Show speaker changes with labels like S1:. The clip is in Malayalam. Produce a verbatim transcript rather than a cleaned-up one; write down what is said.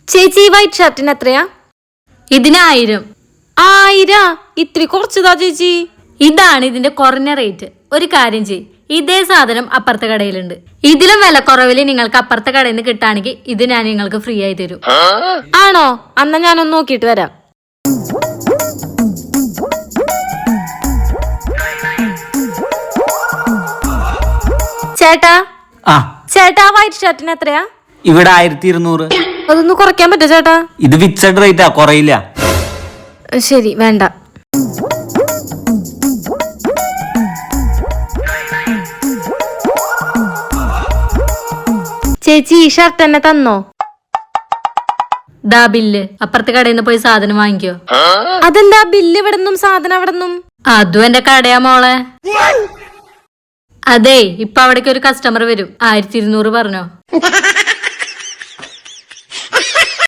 S1: ചേച്ചി വൈറ്റ് ഷർട്ടിന് എത്രയാ?
S2: ഇതിനായിരം.
S1: ആയിരാ? ഇത്തിരി കുറച്ചതാ ചേച്ചി.
S2: ഇതാണ് ഇതിന്റെ കുറഞ്ഞ റേറ്റ്. ഒരു കാര്യം ചെയ്, ഇതേ സാധനം അപ്പുറത്തെ കടയിലുണ്ട്. ഇതിലും വില കുറവില് നിങ്ങൾക്ക് അപ്പുറത്തെ കടയിൽ നിന്ന് കിട്ടുകയാണെങ്കിൽ ഇത് ഞാൻ നിങ്ങൾക്ക് ഫ്രീ ആയി തരും.
S1: ആണോ? അന്നാ ഞാനൊന്ന് നോക്കിയിട്ട് വരാം. ചേട്ടാ
S3: ആ
S1: ചേട്ടാ വൈറ്റ് ഷർട്ടിന് എത്രയാ?
S3: ഇവിടെ ആയിരത്തി ഇരുന്നൂറ്.
S1: അതൊന്ന് കുറയ്ക്കാൻ പറ്റോ ചേട്ടാ?
S3: ഇത് ഫിക്സഡ് റേറ്റാ, കുറയില്ല.
S1: ശരി, വേണ്ട. ചേച്ചി ഈ ഷർട്ട് തന്നെ തന്നോ?
S2: ദാ ബില്ല്. അപ്പുറത്തെ കടയിൽ നിന്ന് പോയി സാധനം വാങ്ങിക്കോ.
S1: അതെന്താ ബില്ല് ഇവിടെന്നും സാധനം അവിടെന്നും?
S2: അതും എന്റെ കടയാ മോളെ. അതെ, ഇപ്പൊ അവിടേക്ക് ഒരു കസ്റ്റമർ വരും. ആയിരത്തി ഇരുന്നൂറ് പറഞ്ഞോ.